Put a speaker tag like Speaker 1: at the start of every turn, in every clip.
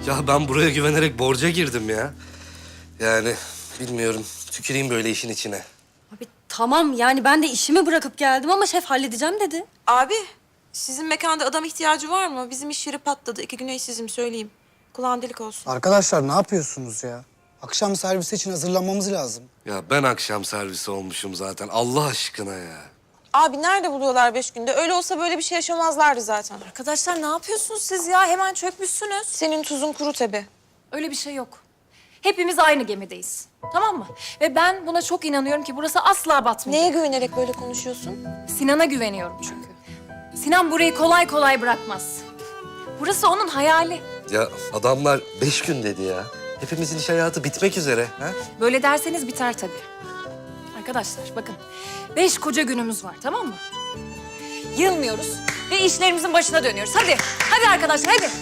Speaker 1: Ya ben buraya güvenerek borca girdim ya. Yani bilmiyorum. Tüküreyim böyle işin içine.
Speaker 2: Abi tamam yani ben de işimi bırakıp geldim ama şef halledeceğim dedi.
Speaker 3: Abi, sizin mekanda adam ihtiyacı var mı? Bizim iş yeri patladı. 2 güne işsizim söyleyeyim. Kulağın delik olsun.
Speaker 4: Arkadaşlar ne yapıyorsunuz ya? Akşam servisi için hazırlanmamız lazım.
Speaker 1: Ya ben akşam servisi olmuşum zaten. Allah aşkına ya.
Speaker 3: Abi nerede buluyorlar 5 günde? Öyle olsa böyle bir şey yaşamazlardı zaten.
Speaker 5: Arkadaşlar ne yapıyorsunuz siz ya? Hemen çökmüşsünüz.
Speaker 3: Senin tuzun kuru tabii.
Speaker 5: Öyle bir şey yok. Hepimiz aynı gemideyiz. Tamam mı? Ve ben buna çok inanıyorum ki burası asla batmayacak.
Speaker 3: Neye güvenerek böyle konuşuyorsun?
Speaker 5: Sinan'a güveniyorum çünkü. Sinan burayı kolay kolay bırakmaz. Burası onun hayali.
Speaker 1: Ya adamlar 5 gün dedi ya. Hepimizin iş hayatı bitmek üzere. Ha?
Speaker 5: Böyle derseniz biter tabii. Arkadaşlar bakın 5 koca günümüz var tamam mı? Yılmıyoruz ve işlerimizin başına dönüyoruz. Hadi, hadi arkadaşlar hadi.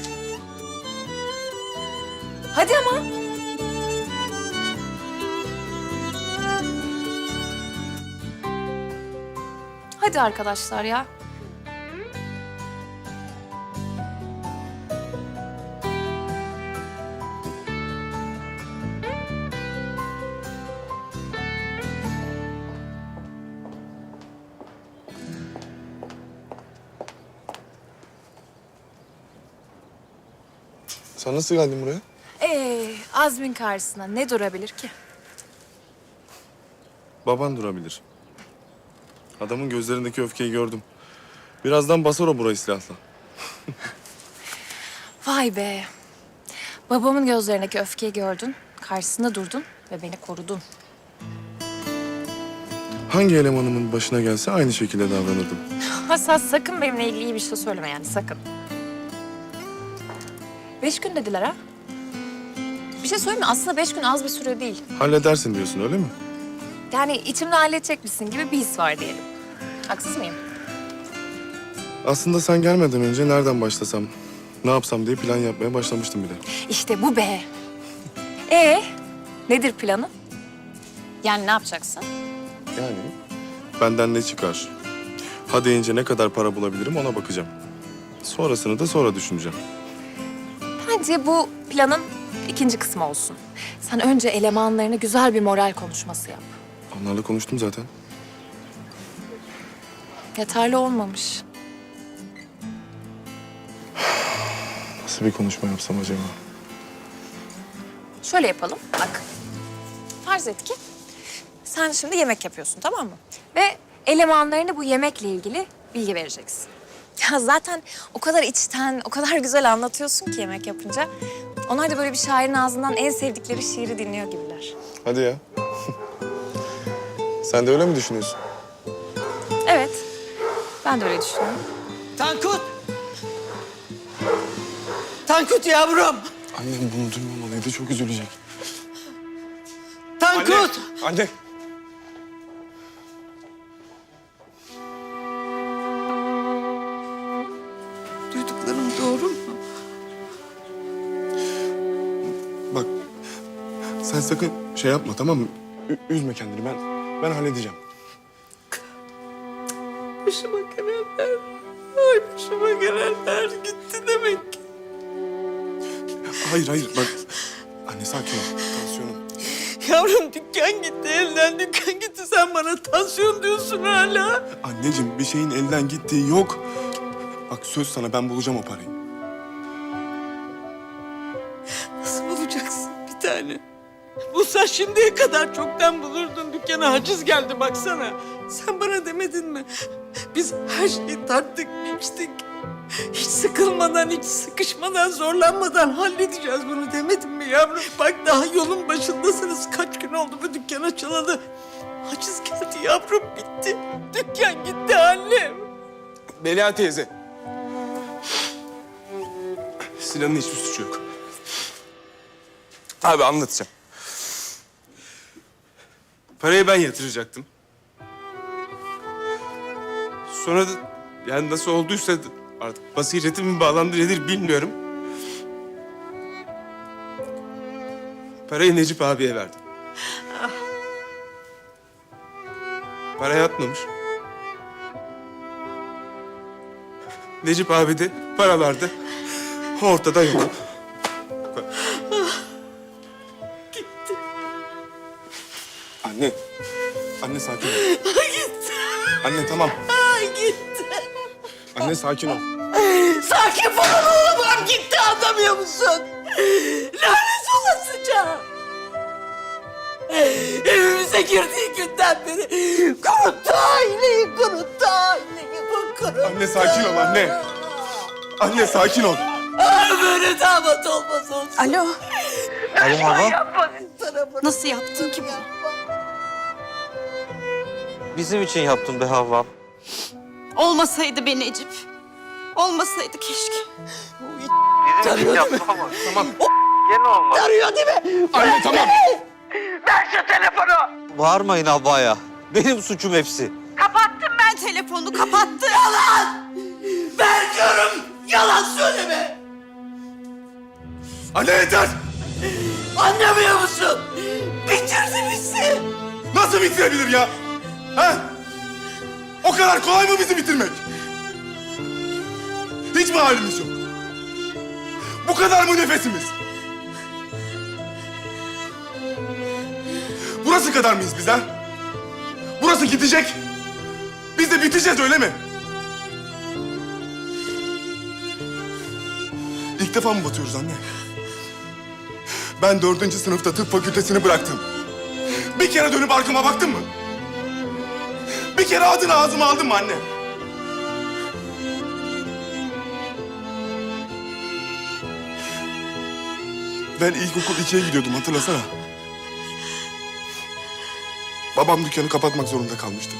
Speaker 5: Hadi ama. Hadi arkadaşlar ya.
Speaker 6: Sen nasıl geldin buraya?
Speaker 5: Azmin karşısına ne durabilir ki?
Speaker 6: Baban durabilir. Adamın gözlerindeki öfkeyi gördüm. Birazdan basar o burayı silahla.
Speaker 5: Vay be. Babamın gözlerindeki öfkeyi gördün, karşısında durdun ve beni korudun.
Speaker 6: Hangi elemanımın başına gelse aynı şekilde davranırdım.
Speaker 5: Hasan sakın benimle ilgili iyi bir şey söyleme yani sakın. 5 gün dediler ha? Bir şey söyleyeyim mi? Aslında 5 gün az bir süre değil.
Speaker 6: Halledersin diyorsun öyle mi?
Speaker 5: Yani içimde halledecekmişsin gibi bir his var diyelim. Haksız mıyım?
Speaker 6: Aslında sen gelmeden önce nereden başlasam, ne yapsam diye plan yapmaya başlamıştım bile.
Speaker 5: İşte bu be. Nedir planın? Yani ne yapacaksın?
Speaker 6: Yani benden ne çıkar? Ha deyince ne kadar para bulabilirim ona bakacağım. Sonrasını da sonra düşüneceğim.
Speaker 5: Bence bu planın ikinci kısmı olsun. Sen önce elemanlarına güzel bir moral konuşması yap.
Speaker 6: Onlarla konuştum zaten.
Speaker 5: Yeterli olmamış.
Speaker 6: Nasıl bir konuşma yapsam acaba?
Speaker 5: Şöyle yapalım, bak. Farz et ki sen şimdi yemek yapıyorsun, tamam mı? Ve elemanlarına bu yemekle ilgili bilgi vereceksin. Ya zaten o kadar içten, o kadar güzel anlatıyorsun ki yemek yapınca. Onlar da böyle bir şairin ağzından en sevdikleri şiiri dinliyor gibiler.
Speaker 6: Hadi ya. Sen de öyle mi düşünüyorsun?
Speaker 5: Evet, ben de öyle düşünüyorum.
Speaker 7: Tankut! Tankut yavrum!
Speaker 6: Annem bunu duymamalıydı, çok üzülecek.
Speaker 7: Tankut!
Speaker 6: Anne!
Speaker 7: Duyduklarım doğru mu?
Speaker 6: Bak, sen sakın şey yapma tamam mı? Üzme kendini, ben halledeceğim.
Speaker 7: Başıma gelenler, ay başıma gelenler gitti demek ki.
Speaker 6: Hayır, bak. Anne sakin ol, tansiyonum.
Speaker 7: Yavrum dükkan gitti, elden dükkan gitti. Sen bana tansiyon diyorsun hala.
Speaker 6: Anneciğim, bir şeyin elden gittiği yok. Bak söz sana, ben bulacağım o parayı.
Speaker 7: Nasıl bulacaksın bir tane? Bulsan şimdiye kadar çoktan bulurdun. Dükkana haciz geldi baksana. Sen bana demedin mi? Biz her şeyi tarttık, biçtik. Hiç sıkılmadan, hiç sıkışmadan, zorlanmadan halledeceğiz bunu demedin mi yavrum? Bak daha yolun başındasınız. Kaç gün oldu bu dükkan açılalı. Haciz geldi yavrum, bitti. Dükkan gitti annem.
Speaker 6: Melia teyze. Sinan'ın hiçbir suçu yok. Abi anlatacağım. Parayı ben yatıracaktım. Sonra da yani nasıl olduysa artık basiretim mi bağlandı nedir bilmiyorum. Parayı Necip abiye verdim. Para yatmamış. Necip abi de paralarda ortada yok. Bu kadar. Anne sakin ol.
Speaker 7: Gitti.
Speaker 6: Anne tamam.
Speaker 7: Gitti.
Speaker 6: Anne sakin ol.
Speaker 7: Sakin falan olamam. Gitti, anlamıyor musun? Lanet olasıca. Evimize girdiği günden beri kuruttu aileyi, kuruttu aileyi. Bu kuruttu.
Speaker 6: Anne sakin ol anne. Anne sakin ol.
Speaker 7: Böyle damat olmaz olsun.
Speaker 3: Alo.
Speaker 1: Alo Hava.
Speaker 3: Nasıl yaptın ki bu?
Speaker 1: Bizim için yaptım be Havva.
Speaker 3: Olmasaydı be Necip. Olmasaydı keşke.
Speaker 1: Bizim için yaptım ama. Tamam. Gene olmadı.
Speaker 7: Arıyor değil mi?
Speaker 6: Anne tamam.
Speaker 7: Ver şu telefonu.
Speaker 1: Bağırmayın Havva'ya. Benim suçum hepsi.
Speaker 3: Kapattım ben telefonu, kapattım.
Speaker 7: Yalan! Ver diyorum. Yalan söyleme.
Speaker 6: Anne yeter.
Speaker 7: Anlamıyor musun? Bitirdi bizi.
Speaker 6: Nasıl bitirebilir ya? Ha? O kadar kolay mı bizi bitirmek? Hiç mi halimiz yok? Bu kadar mı nefesimiz? Burası kadar mıyız biz ha? Burası gidecek. Biz de biteceğiz öyle mi? İlk defa mı batıyoruz anne? Ben 4. sınıfta tıp fakültesini bıraktım. Bir kere dönüp arkama baktın mı? Bir kere adını ağzıma aldın mı anne? Ben ilkokul 2'ye gidiyordum, hatırlasana. Babam dükkanı kapatmak zorunda kalmıştı.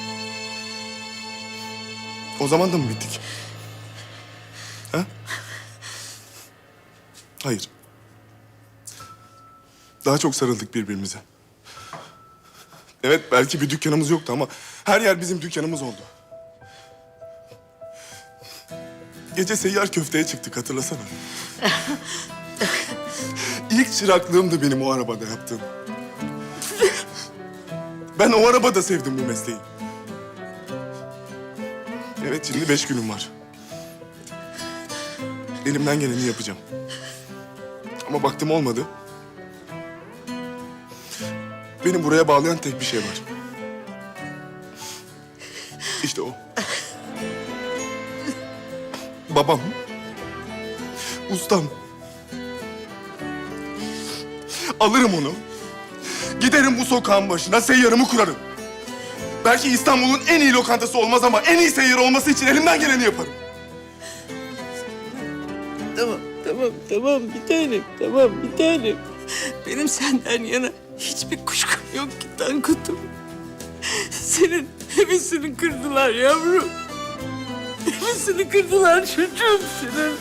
Speaker 6: O zaman da mı bittik? Ha? Hayır. Daha çok sarıldık birbirimize. Evet, belki bir dükkanımız yoktu ama her yer bizim dükkanımız oldu. Gece seyyar köfteye çıktık, hatırlasana. İlk çıraklığım da benim o arabada yaptığım. Ben o arabada sevdim bu mesleği. Evet, şimdi 5 günüm var. Elimden geleni yapacağım. Ama baktım olmadı. Beni buraya bağlayan tek bir şey var. İşte o. Babam. Ustam. Alırım onu. Giderim bu sokağın başına, seyyarımı kurarım. Belki İstanbul'un en iyi lokantası olmaz ama en iyi seyyar olması için elimden geleni yaparım.
Speaker 7: Tamam bir tanem, tamam bir tanem. Benim senden yana hiçbir kuşkum yok ki Tankut'um. Senin hevesini kırdılar yavrum. Hevesini kırdılar çocuğum senin.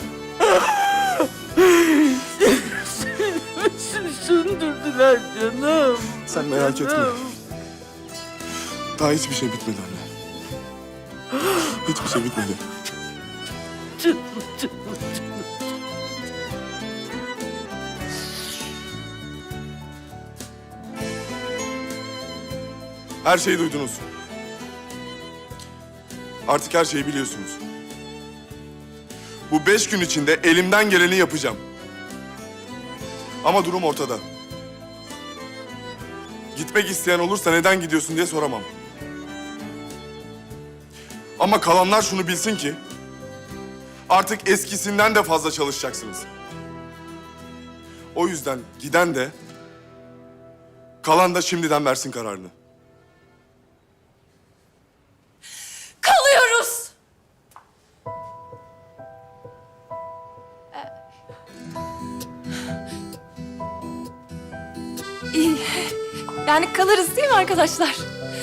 Speaker 7: Senin hevesini söndürdüler canım.
Speaker 6: Sen merak etme. Daha hiçbir şey bitmedi anne. Hiçbir şey bitmedi.
Speaker 7: Canım.
Speaker 6: Her şeyi duydunuz. Artık her şeyi biliyorsunuz. Bu 5 gün içinde elimden geleni yapacağım. Ama durum ortada. Gitmek isteyen olursa neden gidiyorsun diye soramam. Ama kalanlar şunu bilsin ki... artık eskisinden de fazla çalışacaksınız. O yüzden giden de... kalan da şimdiden versin kararını.
Speaker 3: Kalıyoruz.
Speaker 5: Yani kalırız değil mi arkadaşlar?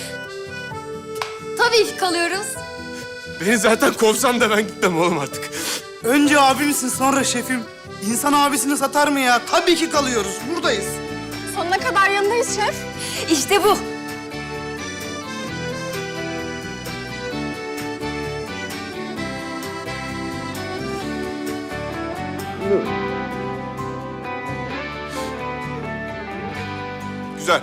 Speaker 2: Tabii ki kalıyoruz.
Speaker 6: Beni zaten kovsan da ben gitmem oğlum artık.
Speaker 4: Önce abimsin sonra şefim. İnsan abisini satar mı ya? Tabii ki kalıyoruz. Buradayız.
Speaker 5: Sonuna kadar yanındayız şef. İşte bu.
Speaker 6: Güzel.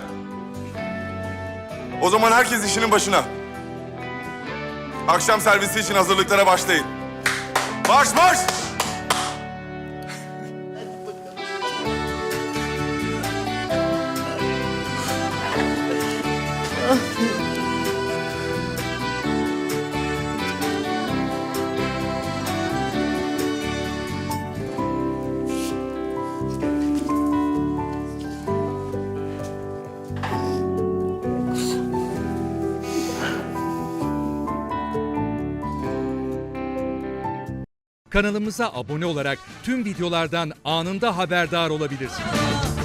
Speaker 6: O zaman herkes işinin başına. Akşam servisi için hazırlıklara başlayın. Marş marş!
Speaker 8: Kanalımıza abone olarak tüm videolardan anında haberdar olabilirsiniz.